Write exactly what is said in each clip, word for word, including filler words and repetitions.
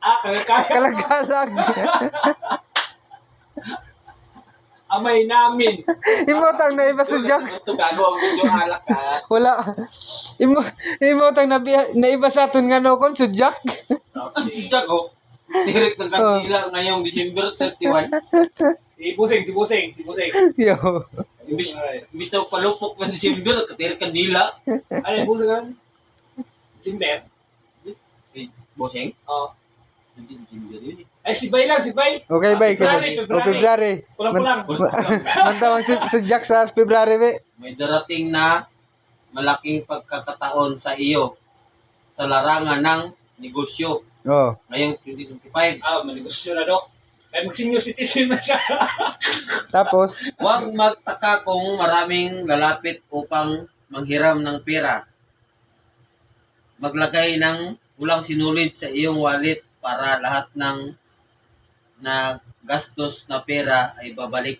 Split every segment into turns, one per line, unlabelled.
Ah, kalagkalag.
Kalagalag.
Amay namin.
Imotang na iba sa Jack.
Ito gago ang video alak ka.
Wala. Imo imotang na na iba sa aton nga no kon sa Jack.
Ang tidag oh. Direct ng kantila ngayong December thirty-one.
Si Busing, si Busing, si Busing.
Yo.
Imbis, imbis na palupok ng December, katirik kandila.
Ano yung Busing kan? Simber.
Eh, Boseng?
Oh.
Hindi December yun eh.
Ay, si Bay lang, si Bay.
Okay, bye.
February,
O February.
Kulang-kulang.
Mantawang si, si Jack sa February, be.
May darating na malaking pagkakataon sa iyo sa larangan ng negosyo
Oh.
ngayong twenty twenty-five.
Ah, manegosyo na, Dok. Ay, mag-senior citizen na siya.
Tapos,
Huwag magtaka kung maraming lalapit upang manghiram ng pera. Maglagay ng walang sinulid sa iyong wallet para lahat ng na gastos na pera ay babalik.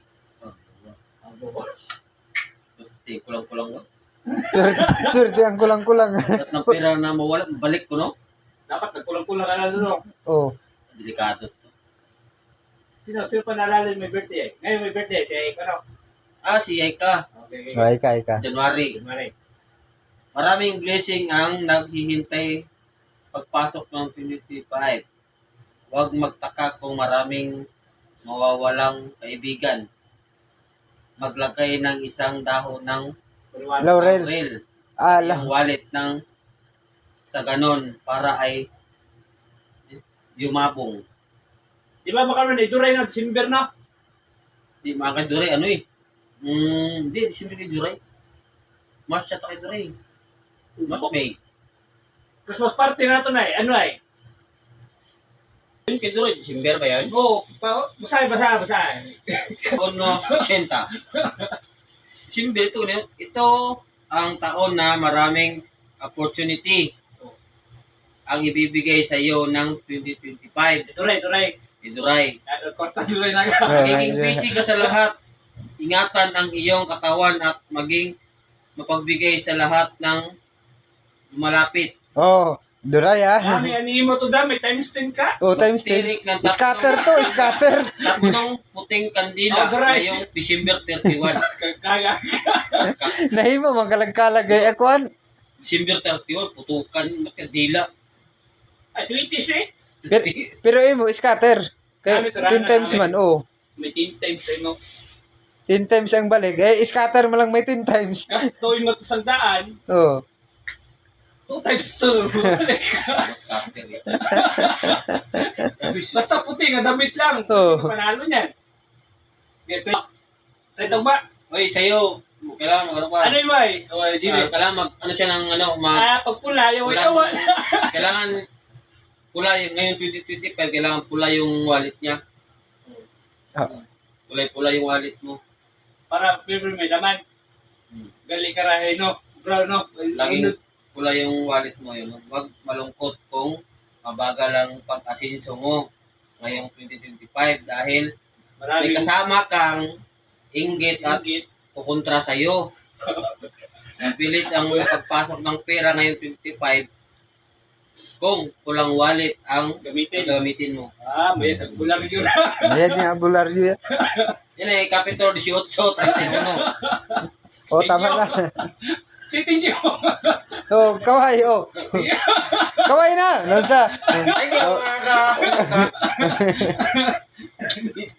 Eh, kulang-kulang.
surti, surti ang kulang-kulang.
Lahat ng pera na mawala, balik ko, no?
Dapat nagkulang-kulang ka na, Dok.
Oh.
Delikado to.
Sino, sino pa naalala yung may birthday? Ngayon may birthday, si Eka, no?
Ah, si Aika,
Okay, okay.
Ay ka, ay ka.
January.
Mari.
Maraming blessing ang naghihintay pagpasok ng twenty twenty-five. Huwag magtaka kung maraming mawawalang kaibigan. Maglagay ng isang dahon ng
Laurel.
laurel
Ah,
sa iyong wallet ng sa ganon para ay yumabong.
Di ba makaroon na iduray na, Simber na?
Di mga kaduray, ano eh? Mm, hindi, December kay Duray. March at kay Duray. March, May.
Christmas party na ito na eh. Ano eh?
Yun kay Duray, December ba yan?
Oo, pa, basahin, basahin, basahin.
Ono, eighty. December ito, no? Ito ang taon na maraming opportunity ang ibibigay sa iyo ng twenty twenty-five.
Iduray, iduray.
Kay Duray.
Korta duray na ka.
Magiging busy ka sa lahat. Ingatan ang iyong katawan at maging mapagbigay sa lahat ng malapit.
Oh, duray ah.
Mami, anihin mo to dami, times ten ka.
Oh, times ten.
Tirik ng tatlong-
Scatter to, scatter.
Tatlong puting kandila
Oh, Duray.
ngayong December thirty-one.
Kaya.
Nahimo man kalagkalag ay akuan.
December thirty-one, putukan ng kandila.
Ay, twenty eh.
Pero, pero imo scatter. Kay
Dami, turana,
ten times
dami.
man, oh.
May ten times tayo mo.
ten times ang balik. Eh, scatter mo lang may ten times.
Gastoin mo to sa daan,
Oh.
two times to.
Scatter eh.
Basta puti nga damit lang.
Oo.
Panalo niyan. Ito. Ito ba?
Oy, sa'yo, kailangan mag ano ka?
Ano yung bay? O, di
Ah, kailangan mag, ano siya ng ano, mag,
Ah, pag pula, yung
pula,
yawa.
kailangan pula yung, ngayon twenty twenty-five, kailangan pula yung wallet niya.
Ah.
Kulay-pula yung wallet mo.
Para pero may laman.
Hmm.
Gali karahe, no? Bro, no?
Laging pula yung wallet mo yun. Huwag malungkot kung mabagal ang pag-asinso mo ngayong twenty twenty-five dahil may
Marami
kasama kang inggit at
Ingit.
kukontra sa'yo. Mabilis ang pagpasok ng pera ngayong twenty twenty-five kung kulang wallet ang
Gamitin.
gagamitin mo.
Ah, may nagbulang yun.
Ayan niya bularyo.
Yan ay Kapitol eighteen, thirty-one.
Oh, tama na.
Siting niyo.
Oh, kaway, oh. Kaway na. Lonsa.
Thank you, mga ka.